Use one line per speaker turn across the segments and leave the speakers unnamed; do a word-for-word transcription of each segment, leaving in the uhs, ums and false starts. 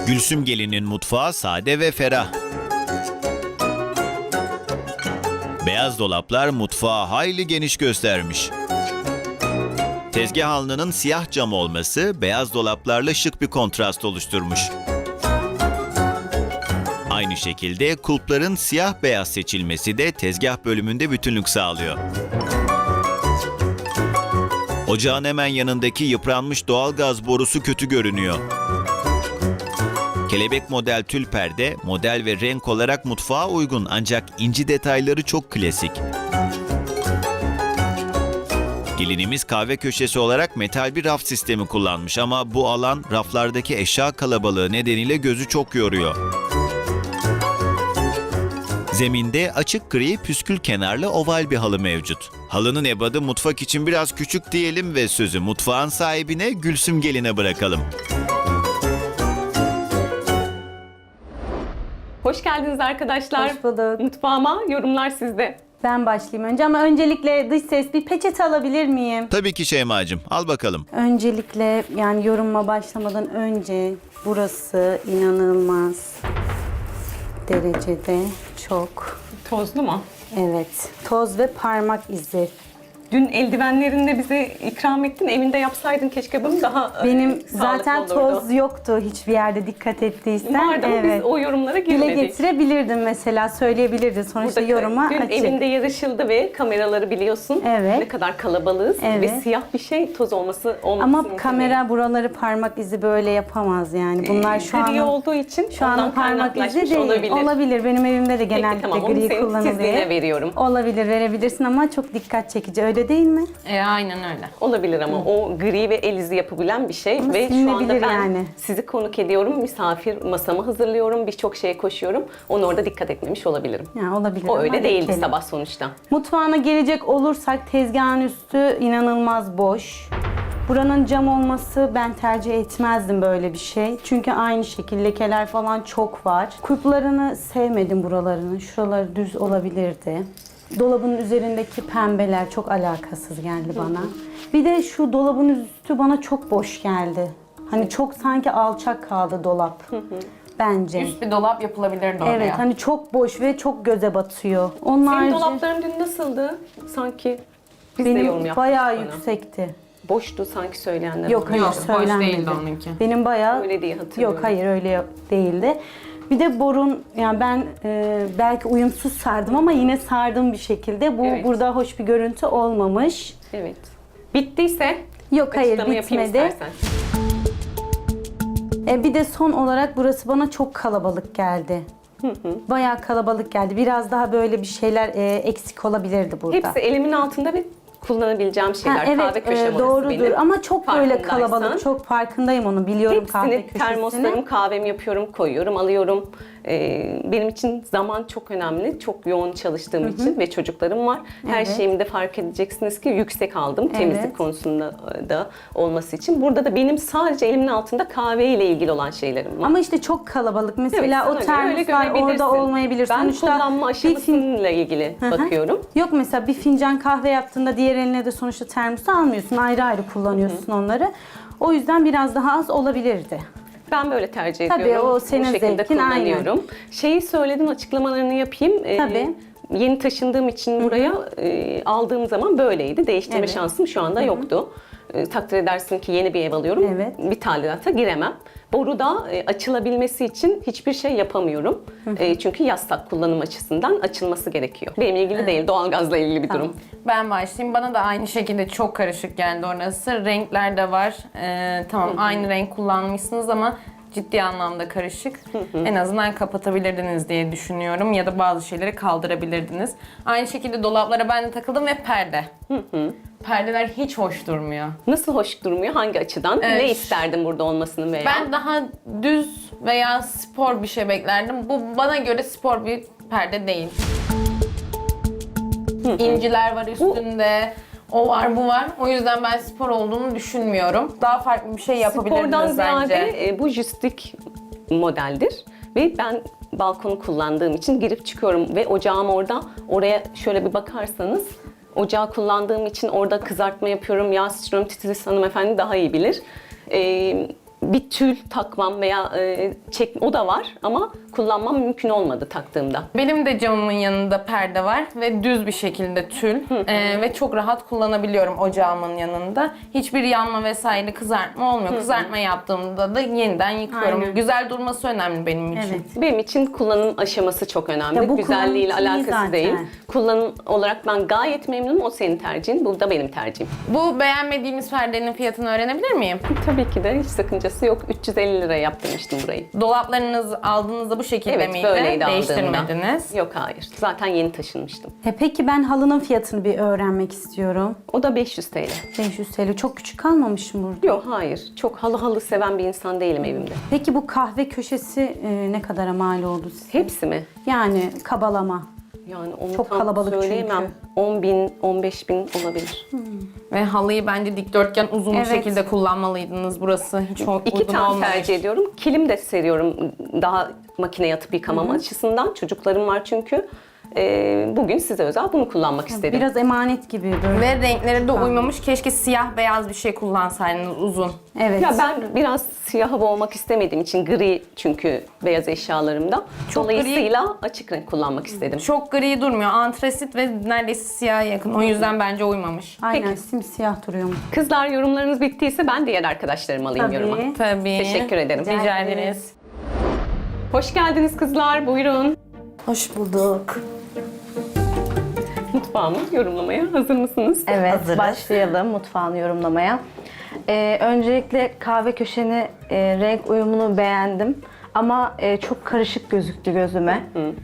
Gülsüm Gelin'in mutfağı sade ve ferah. Beyaz dolaplar mutfağı hayli geniş göstermiş. Tezgah alnının siyah cam olması beyaz dolaplarla şık bir kontrast oluşturmuş. Aynı şekilde kulpların siyah beyaz seçilmesi de tezgah bölümünde bütünlük sağlıyor. Ocağın hemen yanındaki yıpranmış doğalgaz borusu kötü görünüyor. Kelebek model tül perde, model ve renk olarak mutfağa uygun ancak inci detayları çok klasik. Gelinimiz kahve köşesi olarak metal bir raf sistemi kullanmış ama bu alan raflardaki eşya kalabalığı nedeniyle gözü çok yoruyor. Zeminde açık gri püskül kenarlı oval bir halı mevcut. Halının ebadı mutfak için biraz küçük diyelim ve sözü mutfağın sahibine Gülsüm Gelin'e bırakalım.
Hoş geldiniz arkadaşlar.
Hoş bulduk.
Mutfağıma yorumlar sizde.
Ben başlayayım önce ama öncelikle dış ses bir peçete alabilir miyim?
Tabii ki Şeyma'cığım, al bakalım.
Öncelikle yani yoruma başlamadan önce burası inanılmaz derecede çok,
Tozlu mu?
evet, toz ve parmak izi.
Dün eldivenlerini de bize ikram ettin. Evinde yapsaydın keşke bunu daha
Benim
e,
zaten
sağlıklı olurdu.
toz yoktu hiçbir yerde dikkat ettiysen.
Vardı ama
Evet.
biz o yorumlara
Dile
girmedik.
getirebilirdim mesela, söyleyebilirdin. Sonuçta
Burada
yoruma
dün
açık.
evinde yarışıldı ve kameraları biliyorsun.
Evet.
Ne kadar kalabalığız
Evet.
ve siyah bir şey toz olması olması
Ama
mümkün
kamera
değil.
buraları parmak izi böyle yapamaz yani. Bunlar şu
Gri
an
olduğu için
Şu an
ondan
parmak izi
kaynaklaşmış
değil.
olabilir.
Olabilir. Benim evimde de
Peki,
genellikle
tamam, onu
gri
senin
kullanılıyor.
titizliğine veriyorum.
Olabilir, verebilirsin ama çok dikkat çekici. Öyle değil mi?
E, aynen öyle.
Olabilir ama o gri ve el izi yapabilen bir şey
Ama
ve şu anda
silinebilir
ben
yani.
sizi konuk ediyorum, misafir masamı hazırlıyorum, birçok şeye koşuyorum. Onu orada dikkat etmemiş olabilirim.
Yani olabilir.
O
ama
öyle değildi
geçelim.
sabah sonuçta.
Mutfağına gelecek olursak tezgahın üstü inanılmaz boş. Buranın cam olması ben tercih etmezdim böyle bir şey. Çünkü aynı şekilde lekeler falan çok var. Kulplarını sevmedim buralarını. Şuraları düz olabilirdi. Dolabın üzerindeki pembeler çok alakasız geldi bana. Bir de şu dolabın üstü bana çok boş geldi. Hani çok sanki alçak kaldı dolap. Bence.
Üst bir dolap yapılabilirdi oraya.
Evet, hani çok boş ve çok göze batıyor. Onun
Senin
harici
dolapların dün nasıldı? Sanki biz de yorum
benim
yaptık
bayağı
bana.
yüksekti.
Boştu sanki söyleyenler.
Yok
oldu.
hayır
Yok, boş
söylenmedi.
değildi onunki.
Benim bayağı
Öyle diye hatırlıyorum.
Yok hayır öyle yok- değildi. Bir de borun, yani ben e, belki uyumsuz sardım ama yine sardım bir şekilde. Bu
Evet.
burada hoş bir görüntü olmamış.
Evet. Bittiyse
Yok hayır
açıklama yapayım
bitmedi.
istersen.
E, bir de son olarak burası bana çok kalabalık geldi. Bayağı kalabalık geldi. Biraz daha böyle bir şeyler e, eksik olabilirdi burada.
Hepsi elimin altında ve kullanabileceğim şeyler.
Ha,
Kahve
evet
köşem
e,
orası
doğrudur
benim.
ama çok böyle
Farkındaysan.
kalabalık, çok farkındayım onu, biliyorum kahve
Hepsini
köşesini.
termoslarım, kahvemi yapıyorum, koyuyorum, alıyorum. Ee, benim için zaman çok önemli. Çok yoğun çalıştığım için ve çocuklarım var. Her
Evet.
şeyimi de fark edeceksiniz ki yüksek aldım. Temizlik
Evet.
konusunda da olması için. Burada da benim sadece elimin altında kahve ile ilgili olan şeylerim var.
Ama işte çok kalabalık. Mesela
Evet,
o
sana göre öyle
termoslar
görebilirsin.
orada olmayabilir.
Ben
Sonuçta
kullanma
bir fin-
aşamasıyla ilgili
Hı hı.
bakıyorum.
Yok mesela bir fincan kahve yaptığında diğer eline de sonuçta termosu almıyorsun. Ayrı ayrı kullanıyorsun onları. O yüzden biraz daha az olabilirdi.
Ben böyle tercih
Tabii,
ediyorum.
o senin
Bu şekilde
zevkin,
kullanıyorum. Şeyi söyledim, açıklamalarını yapayım. Ee,
Tabii.
Yeni taşındığım için buraya e, aldığım zaman böyleydi. Değiştirme
Evet.
şansım şu anda yoktu. E, takdir edersin ki yeni bir ev alıyorum.
Evet.
Bir tadilata giremem. Boruda e, açılabilmesi için hiçbir şey yapamıyorum. E, çünkü yastak kullanım açısından açılması gerekiyor. Benimle ilgili değil, doğalgazla ilgili bir durum.
Ben başlayayım. Bana da aynı şekilde çok karışık geldi orası. Renkler de var. Ee, tamam aynı renk kullanmışsınız ama ciddi anlamda karışık. En azından kapatabilirdiniz diye düşünüyorum ya da bazı şeyleri kaldırabilirdiniz. Aynı şekilde dolaplara ben de takıldım ve perde. Perdeler hiç hoş durmuyor.
Nasıl hoş durmuyor? Hangi açıdan?
Evet.
Ne isterdin burada olmasını veya?
Ben daha düz veya spor bir şey beklerdim. Bu bana göre spor bir perde değil. İnciler var üstünde. O var, bu var. O yüzden ben spor olduğunu düşünmüyorum. Daha farklı bir şey yapabilirdiniz
Spordan
bence.
ziyade e, bu jistik modeldir ve ben balkonu kullandığım için girip çıkıyorum ve ocağım orada. Oraya şöyle bir bakarsanız ocağı kullandığım için orada kızartma yapıyorum, yağ sıçrıyorum. Titiz hanımefendi daha iyi bilir. E, bir tül takmam veya e, çek o da var ama kullanmam mümkün olmadı taktığımda.
Benim de camımın yanında perde var ve düz bir şekilde tül Ee, ve çok rahat kullanabiliyorum ocağımın yanında. Hiçbir yanma vesaire kızartma olmuyor. Kızartma yaptığımda da yeniden yıkıyorum.
Aynen.
Güzel durması önemli benim için.
Evet.
Benim için kullanım aşaması çok önemli.
Ya bu
Güzelliğiyle
kullanım için iyi
alakası
zaten.
değil. Kullanım olarak ben gayet memnunum. O senin tercihin. Bu da benim tercihim.
Bu beğenmediğimiz perdenin fiyatını öğrenebilir miyim?
Tabii ki de hiç sakıncası yok. üç yüz elli liraya yaptırmıştım burayı.
Dolaplarınız aldığınızda bu şekilde
Evet,
miydi?
böyleydi aldığımda.
Değiştirmediniz.
Yok hayır. Zaten yeni taşınmıştım.
E peki ben halının fiyatını bir öğrenmek istiyorum.
O da beş yüz T L.
beş yüz T L. Çok küçük kalmamış mı burada?
Yok hayır. Çok halı halı seven bir insan değilim evimde.
Peki bu kahve köşesi e, ne kadara mal oldu size?
Hepsi mi?
Yani kabalama.
Yani onu
Çok
tam
kalabalık
söyleyemem.
çünkü.
on bin, on beş bin olabilir.
Ve halıyı bence dikdörtgen uzun
Evet.
bir şekilde kullanmalıydınız. Burası hiç o-
İki
uygun
tane
olmamış.
tercih ediyorum. Kilim de seriyorum daha makine yatıp yıkamam açısından. Çocuklarım var çünkü. Ee, bugün size özel bunu kullanmak istedim.
Biraz emanet gibi böyle.
Ve renkleri de uymamış. Keşke siyah beyaz bir şey kullansaydınız uzun.
Evet.
Ya ben biraz siyaha boğmak istemediğim için gri çünkü beyaz eşyalarımda.
Çok
Dolayısıyla açık renk kullanmak istedim.
Çok gri durmuyor. Antrasit ve neredeyse siyaha yakın. O yüzden bence uymamış.
Aynen simsiyah duruyor.
Kızlar yorumlarınız bittiyse ben diğer arkadaşlarımı alayım
Tabii.
yoruma.
Tabii.
Teşekkür ederim.
Rica
Rica
ederiz.
ederiz.
Hoş geldiniz kızlar. Buyurun.
Hoş bulduk.
Mutfağımı yorumlamaya hazır mısınız?
Evet,
Hazırız.
başlayalım mutfağını yorumlamaya. Ee, öncelikle kahve köşeni e, renk uyumunu beğendim. Ama e, çok karışık gözüktü gözüme.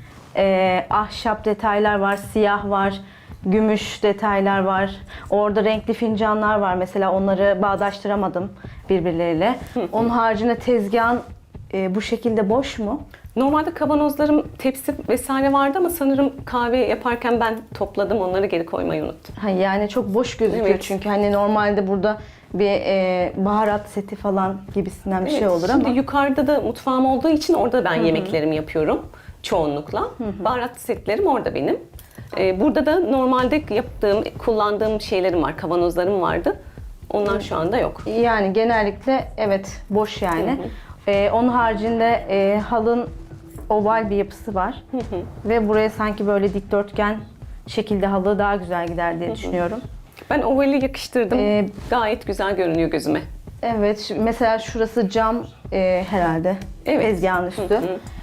Ee, ahşap detaylar var, siyah var, gümüş detaylar var. Orada renkli fincanlar var mesela, onları bağdaştıramadım birbirleriyle. Onun haricinde tezgahın e, bu şekilde boş mu?
Normalde kavanozlarım, tepsi vesaire vardı ama sanırım kahve yaparken ben topladım. Onları geri koymayı unuttum.
Ha, yani çok boş gözüküyor
Evet.
çünkü hani normalde burada bir e, baharat seti falan gibisinden bir şey
Evet,
olur
şimdi
ama
yukarıda da mutfağım olduğu için orada ben yemeklerimi yapıyorum çoğunlukla. Baharat setlerim orada benim. Ee, burada da normalde yaptığım, kullandığım şeylerim var, kavanozlarım vardı. Onlar şu anda yok.
yani genellikle evet boş yani. E, onun haricinde e, halın oval bir yapısı var ve buraya sanki böyle dikdörtgen şekilde halı daha güzel gider diye düşünüyorum.
Ben ovali yakıştırdım.
Ee,
Gayet güzel görünüyor gözüme.
Evet, şu- mesela şurası cam e, herhalde.
Evet.
Tezgahın üstü.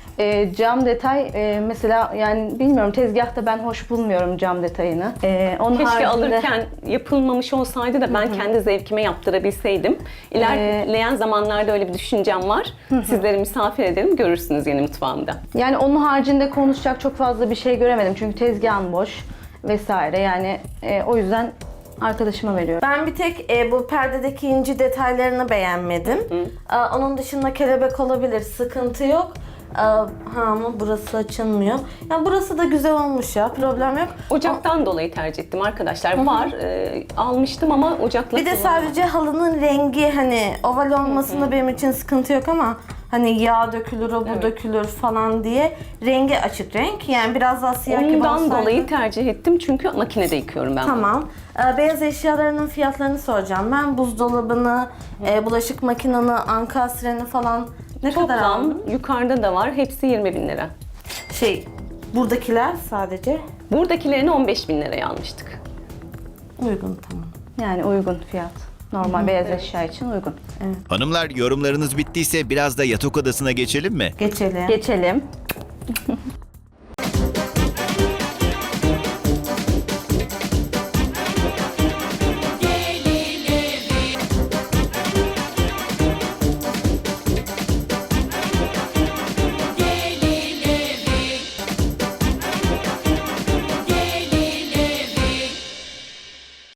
E, cam detay e, mesela yani bilmiyorum, tezgahta ben hoş bulmuyorum cam detayını. E, onun
Keşke
haricinde-
alırken yapılmamış olsaydı da ben kendi zevkime yaptırabilseydim. İlerleyen zamanlarda öyle bir düşüncem var. Sizleri misafir ederim, görürsünüz yeni mutfağımda.
Yani onun haricinde konuşacak çok fazla bir şey göremedim çünkü tezgahın boş vesaire, yani e, o yüzden arkadaşıma veriyorum.
Ben bir tek e, bu perdedeki inci detaylarını beğenmedim. Aa, onun dışında kelebek olabilir, sıkıntı yok. Aa, ha ama burası açılmıyor. Ya burası da güzel olmuş ya, problem yok.
Ocaktan dolayı tercih ettim arkadaşlar. Var, e, almıştım ama ocakla
Bir de
kullanmadım.
sadece halının rengi, hani oval olmasında benim için sıkıntı yok ama hani yağ dökülür, o bu
Evet.
dökülür falan diye rengi açık renk. Yani biraz daha siyah gibi
Ondan
olsaydı.
dolayı tercih ettim çünkü makinede yıkıyorum ben. bunu.
Tamam. Ee, beyaz eşyalarının fiyatlarını soracağım. Ben buzdolabını, e, bulaşık makinanı, ankastresini falan ne kadar
Toplam
aldım?
yukarıda da var. Hepsi yirmi bin lira.
Şey, buradakiler sadece
Buradakilerini on beş bin liraya almıştık.
uygun, tamam.
Yani uygun fiyat. Normal beyaz eşya için uygun.
Hanımlar yorumlarınız bittiyse biraz da yatak odasına geçelim mi?
Geçelim.
Geçelim.